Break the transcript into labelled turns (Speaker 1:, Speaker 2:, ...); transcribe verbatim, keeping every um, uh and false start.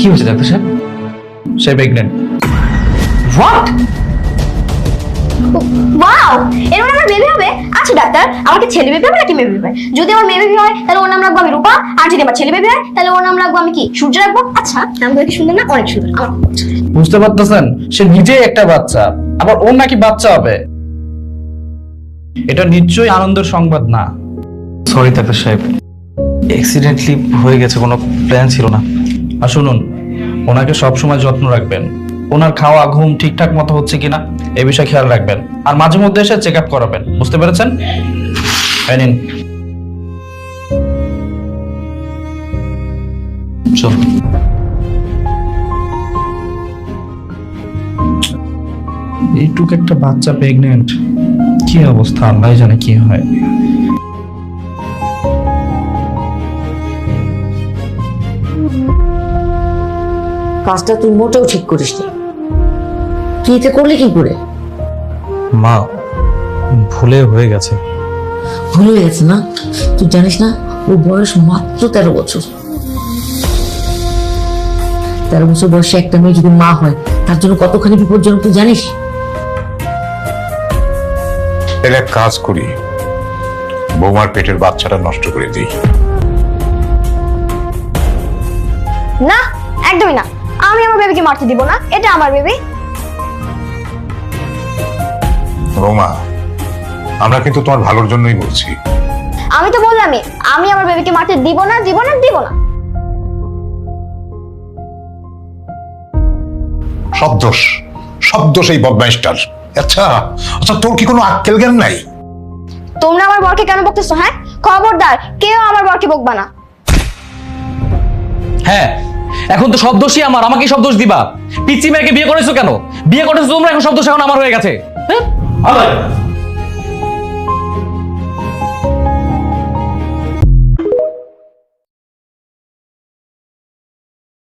Speaker 1: কি হয়েছে ডাক্তার সাহেব?
Speaker 2: সে প্রেগনেন্ট।
Speaker 1: হোয়াট?
Speaker 3: ওয়াও, এর মানে আমার বেবি হবে। আচ্ছা ডাক্তার, আমাকে ছেলে বেবি হবে নাকি মেয়ে বেবি হবে? যদি আমার মেয়ে বেবি হয় তাহলে ওর নাম রাখবো আমি রূপা, আর যদি আমার ছেলে বেবি হয় তাহলে ওর নাম রাখবো আমি কি সূর্য রাখবো। আচ্ছা, নামগুলো কি সুন্দর না? অনেক সুন্দর। আমার খুব পছন্দ।
Speaker 2: বুঝতে পারতেছেন, সে নিজেই একটা বাচ্চা, আবার ওর নাকি বাচ্চা হবে। এটা নিশ্চয়ই আনন্দের সংবাদ না।
Speaker 1: সরি ডাক্তার সাহেব, অ্যাক্সিডেন্টলি হয়ে গেছে, কোনো প্ল্যান ছিল না।
Speaker 2: আর শুনুন, ওনাকে সবসময় যত্ন রাখবেন। ওনার খাওয়া ঘুম ঠিকঠাক মতো হচ্ছে কিনা এই বিষয়ে খেয়াল রাখবেন, আর মাঝে মধ্যে এসে চেক আপ করাবেন। বুঝতে পেরেছেন? এই নিন।
Speaker 1: চল।
Speaker 2: এইটুক একটা বাচ্চা প্রেগনেন্ট, কি অবস্থা আল্লাহ জানে কি হয়।
Speaker 4: কাজটা তুই মোটেও ঠিক করিস নি। তুই এটা করলি কি করে?
Speaker 1: মা, ভুলে হয়ে গেছে।
Speaker 4: ভুল হয়ে গেছে না? তুই জানিস না ওর বয়স মাত্র তেরো বছর। তেরো বছর বয়সে একটা মেয়ে যদি মা হয় তার জন্য কতখানি বিপজ্জনক তুই জানিস?
Speaker 5: এর এক কাজ করি, বৌমার পেটের বাচ্চাটা নষ্ট করে দিই।
Speaker 3: না, একদমই না। আমি আমার বেবিকে মারতে দিব না, এটা আমার বেবি।
Speaker 5: বৌমা, আমরা কিন্তু তোমার ভালোর জন্যই বলছি।
Speaker 3: আমি তো বললামই, আমি আমার বেবিকে মারতে দিব না, দিব না, দিব না।
Speaker 5: সব দোষ, সব দোষ এই বদমাইশটার। আচ্ছা আচ্ছা, তোর কি কোনো আক্কেল জ্ঞান নাই?
Speaker 3: তোমরা আমার বরকে কেন বকতেছো? হ্যাঁ, খবরদার কেউ আমার বরকে বকবা না।
Speaker 1: হ্যাঁ, এখন তো সব দোষই আমার, আমাকে সব দোষ দিবা। পিচ্চি মেয়েকে বিয়ে করেছো কেন? বিয়ে করেছো তোমরা, এখন সব দোষ এখন আমার হয়ে গেছে। হ্যাঁ?